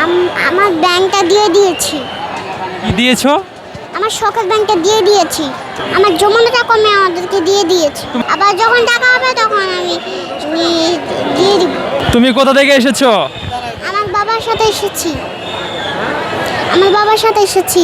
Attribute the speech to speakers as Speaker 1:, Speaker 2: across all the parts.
Speaker 1: আমার ব্যাংকটা দিয়ে দিয়েছি।
Speaker 2: কি দিয়েছো?
Speaker 1: আমার শখের ব্যাংকটা দিয়ে দিয়েছি। আমার জমানো টাকা আমি আমাদেরকে দিয়ে দিয়েছি। আবার যখন টাকা হবে তখন আমি দিয়ে দিব।
Speaker 2: তুমি কোথা থেকে এসেছো?
Speaker 1: আমার বাবার সাথে এসেছি। আমার বাবার সাথে এসেছি।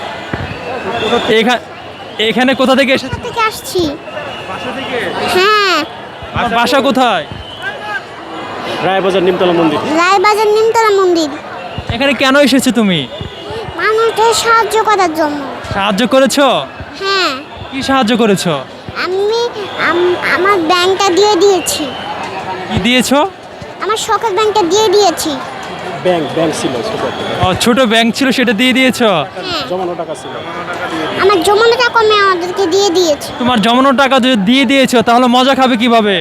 Speaker 2: এখানে কোথা থেকে এসেছো?
Speaker 1: কোথা থেকে আসছি?
Speaker 2: বাসা থেকে।
Speaker 1: হ্যাঁ,
Speaker 2: তোমার বাসা কোথায়?
Speaker 3: রায়বাজার নিমতলা মন্দির।
Speaker 1: রায়বাজার নিমতলা মন্দির।
Speaker 2: এখানে কেন এসেছো তুমি?
Speaker 1: মানুষদের সাহায্য করার জন্য।
Speaker 2: সাহায্য করেছো?
Speaker 1: হ্যাঁ,
Speaker 2: কি সাহায্য করেছো?
Speaker 1: আমি আমার ব্যাংকটা দিয়ে দিয়েছি।
Speaker 2: কি দিয়েছো?
Speaker 1: আমার শখের ব্যাংকটা দিয়ে দিয়েছি।
Speaker 3: ব্যাংক ছিল ছোট একটা।
Speaker 2: ছোট ব্যাংক ছিল, সেটা দিয়ে দিয়েছো?
Speaker 1: হ্যাঁ,
Speaker 3: জমানো টাকা ছিল।
Speaker 1: আমার জমানো টাকা আমি আমাদেরকে দিয়ে দিয়েছি।
Speaker 2: তোমার জমানো টাকা যদি দিয়ে দিয়েছো তাহলে মজা খাবে কিভাবে?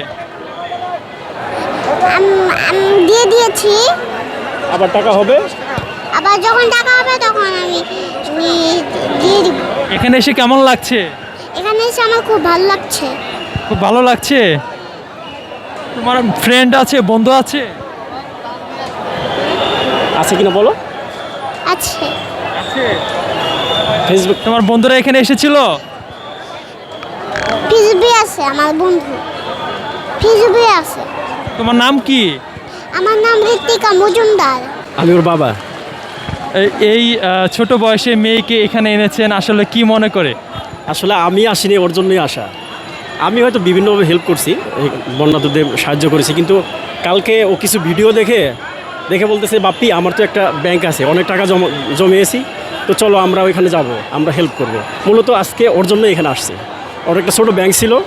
Speaker 1: আমি দিয়ে দিয়েছি।
Speaker 3: আবার টাকা হবে।
Speaker 1: আবার যখন টাকা হবে তখন আমি দিয়ে দিব।
Speaker 2: এখানে এসে কেমন লাগছে?
Speaker 1: এখানে এসে আমার খুব ভালো লাগছে।
Speaker 2: খুব ভালো লাগছে। তোমার ফ্রেন্ড আছে, বন্ধু আছে?
Speaker 3: আছে কিনা বলো।
Speaker 1: আছে।
Speaker 3: ফেসবুক।
Speaker 2: তোমার বন্ধুরা এখানে এসেছিল?
Speaker 1: ফিজবি আছে আমার বন্ধু। ফিজবি আছে।
Speaker 2: তোমার নাম কি?
Speaker 1: আমার নাম ঋত্বিকা মজুমদার।
Speaker 3: আমি ওর বাবা।
Speaker 2: এই ছোট বয়সে মেয়েকে এখানে এনেছেন, আসলে কি মনে করে?
Speaker 3: আসলে আমি আসিনি, ওর জন্যই আসা। আমি হয়তো বিভিন্নভাবে হেল্প করছি, বন্যাতুদের সাহায্য করেছি, কিন্তু কালকে ও কিছু ভিডিও দেখে বলতেছে, বাপ্পি আমার তো একটা ব্যাংক আছে, অনেক টাকা জমিয়েছি, তো চলো আমরা ওইখানে যাব, আমরা হেল্প করব। মূলত আজকে ওর জন্য এখানে আসছে। ওর একটা ছোটো ব্যাংক ছিল,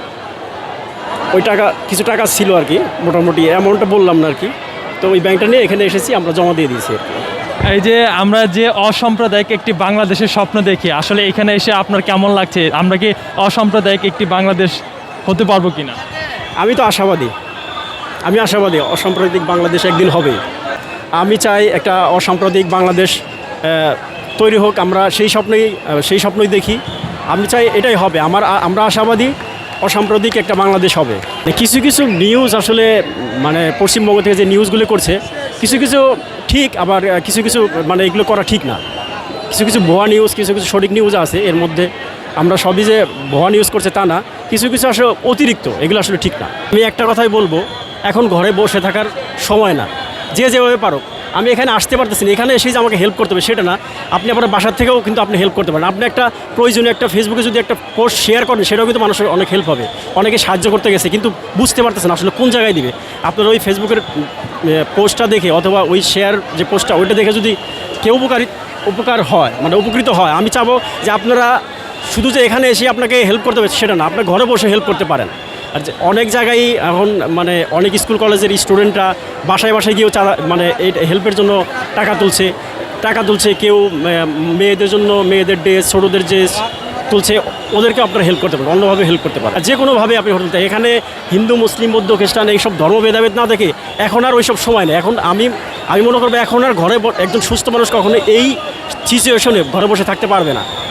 Speaker 3: ওই কিছু টাকা ছিল আর কি, মোটামুটি অ্যামাউন্টটা বললাম না আর কি, তো ওই ব্যাংকটা নিয়ে এখানে এসেছি, আমরা জমা দিয়ে দিয়েছি আর কি।
Speaker 2: এই যে আমরা যে অসাম্প্রদায়িক একটি বাংলাদেশের স্বপ্ন দেখি, আসলে এখানে এসে আপনার কেমন লাগছে? আমরা কি অসাম্প্রদায়িক একটি বাংলাদেশ হতে পারবো কিনা?
Speaker 3: আমি তো আশাবাদী, অসাম্প্রদায়িক বাংলাদেশ একদিন হবে। আমি চাই একটা অসাম্প্রদায়িক বাংলাদেশ তৈরি হোক, আমরা সেই স্বপ্নই দেখি। আমি চাই এটাই হবে। আমরা আশাবাদী অসাম্প্রদায়িক একটা বাংলাদেশ হবে। কিছু কিছু নিউজ আসলে মানে পশ্চিমবঙ্গ থেকে যে নিউজগুলো করছে, কিছু কিছু ঠিক, আবার কিছু কিছু মানে এগুলো করা ঠিক না। কিছু কিছু ভুয়া নিউজ, কিছু কিছু সঠিক নিউজ আছে এর মধ্যে। আমরা সবই যে ভুয়া নিউজ করছে তা না, কিছু কিছু আসলে অতিরিক্ত, এগুলো আসলে ঠিক না। আমি একটা কথাই বলবো, এখন ঘরে বসে থাকার সময় না, যে যেভাবে পারো। আমি এখানে আসতে পারতেছি না, এখানে এসেই যে আমাকে হেল্প করতে হবে সেটা না, আপনি আপনার বাসার থেকেও কিন্তু আপনি হেল্প করতে পারেন। আপনি একটা প্রয়োজনীয় একটা ফেসবুকে যদি একটা পোস্ট শেয়ার করেন, সেটাও কিন্তু মানুষের অনেক হেল্প হবে। অনেকে সাহায্য করতে গেছে কিন্তু বুঝতে পারতেছেন আসলে কোন জায়গায় দিবে। আপনার ওই ফেসবুকের পোস্টটা দেখে, অথবা ওই শেয়ার যে পোস্টটা, ওইটা দেখে যদি কেউ উপকার হয়, মানে উপকৃত হয়, আমি চাবো যে আপনারা শুধু যে এখানে এসে আপনাকে হেল্প করতে হবে সেটা না, আপনার ঘরে বসে হেল্প করতে পারেন। আর অনেক জায়গায় এখন মানে অনেক স্কুল কলেজের স্টুডেন্টরা বাসায় বাসায় গিয়েও মানে এই হেল্পের জন্য টাকা তুলছে। কেউ মেয়েদের জন্য মেয়েদের ড্রেস, ছোটোদের ড্রেস তুলছে, ওদেরকে আপনারা হেল্প করতে পারেন, অন্যভাবে হেল্প করতে পারেন। যে কোনোভাবে আপনি হোটেল, এখানে হিন্দু, মুসলিম, বৌদ্ধ, খ্রিস্টান এইসব ধর্ম ভেদাভেদ না দেখে এখন আর ওইসব সময় নেই। এখন আমি মনে করবো এখন আর ঘরে একজন সুস্থ মানুষ কখনো এই সিচুয়েশনে ঘরে বসে থাকতে পারবে না।